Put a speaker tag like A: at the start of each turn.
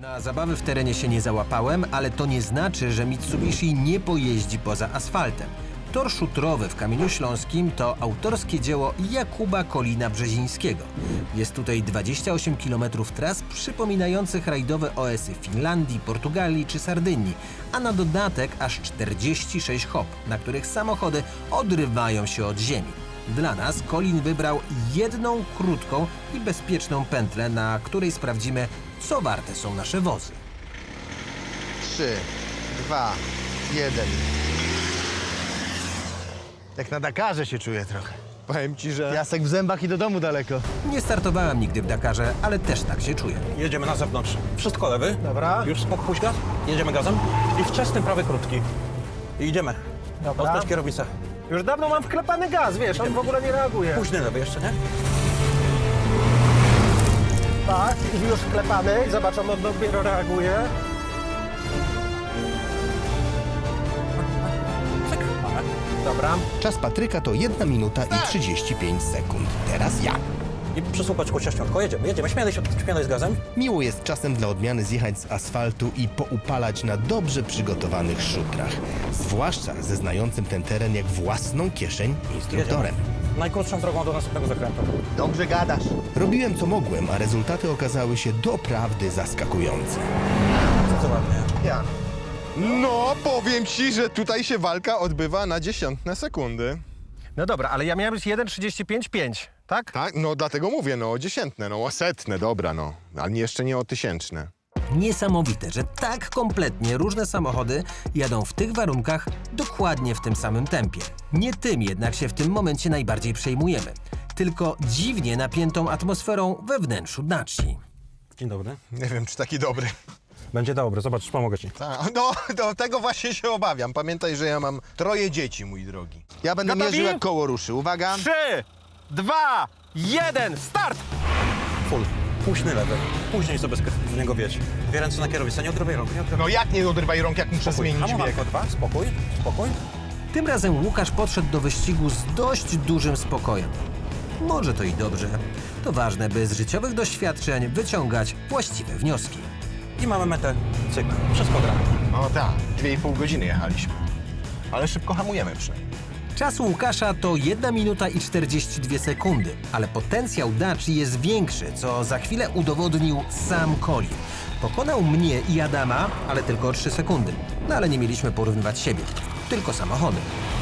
A: Na zabawy w terenie się nie załapałem, ale to nie znaczy, że Mitsubishi nie pojeździ poza asfaltem. Tor szutrowy w Kamieniu Śląskim to autorskie dzieło Jakuba Kolina-Brzezińskiego. Jest tutaj 28 km tras przypominających rajdowe OS-y Finlandii, Portugalii czy Sardynii, a na dodatek aż 46 hop, na których samochody odrywają się od ziemi. Dla nas Kolin wybrał jedną krótką i bezpieczną pętlę, na której sprawdzimy, co warte są nasze wozy.
B: 3, 2, 1. Jak na Dakarze się czuję trochę.
C: Powiem ci, że
B: Piasek w zębach i do domu daleko.
A: Nie startowałem nigdy w Dakarze, ale też tak się czuję.
C: jedziemy na zewnątrz. Wszystko lewy.
D: Dobra.
C: Już smok, puść gaz. Jedziemy gazem. I wczesny prawy krótki. I idziemy.
D: Dobra.
C: Odpędź kierownicę.
D: Już dawno mam wklepany gaz, wiesz, on w ogóle nie reaguje.
C: Późny lewy jeszcze, nie?
D: Tak, i już wklepany, zobacz, on dopiero reaguje.
C: Cyk, mamy.
D: Dobra.
E: Czas Patryka to 1 minuta i 35 sekund. Teraz ja.
C: I przysłupać kościośniątko. Jedziemy. Śmielej z gazem.
E: Miło jest czasem dla odmiany zjechać z asfaltu i poupalać na dobrze przygotowanych szutrach. Zwłaszcza ze znającym ten teren jak własną kieszeń instruktorem.
C: Najkrótszą drogą do następnego zakrętu.
B: Dobrze gadasz.
E: Robiłem co mogłem, a rezultaty okazały się doprawdy zaskakujące.
C: Co ładnie.
B: Ja.
F: No, powiem ci, że tutaj się walka odbywa na dziesiątne sekundy.
D: No dobra, ale ja miałem być 1,35,5, tak?
F: Tak? No dlatego mówię, no o dziesiętne, no o setne, dobra, no. Ale jeszcze nie o tysięczne.
A: Niesamowite, że tak kompletnie różne samochody jadą w tych warunkach dokładnie w tym samym tempie. Nie tym jednak się w tym momencie najbardziej przejmujemy, tylko dziwnie napiętą atmosferą we wnętrzu Daci.
C: Dzień dobry.
F: Nie wiem, czy taki dobry.
C: Będzie dobry. Zobacz, pomogę ci.
F: No, do tego właśnie się obawiam. Pamiętaj, że ja mam 3 dzieci, mój drogi.
B: Ja będę
D: Gotowi?
B: mierzył jak koło ruszy. Uwaga.
D: 3, 2, 1, start!
C: Full. Późny lewy. Później sobie z niego wiedź. Dwie ręce na kierownicę. Nie odrywaj rąk. Nie odrywaj.
F: No jak nie odrywaj rąk, jak muszę zmienić bieg?
C: Hamowanko 2. Spokój. Spokój.
A: Tym razem Łukasz podszedł do wyścigu z dość dużym spokojem. Może to i dobrze. To ważne, by z życiowych doświadczeń wyciągać właściwe wnioski.
C: I mamy metę. Cyk. Wszystko gra.
F: No tak, 2,5 godziny jechaliśmy. Ale szybko hamujemy przynajmniej.
A: Czas Łukasza to 1 minuta i 42 sekundy, ale potencjał Daci jest większy, co za chwilę udowodnił sam Colin. Pokonał mnie i Adama, ale tylko o 3 sekundy. No ale nie mieliśmy porównywać siebie, tylko samochody.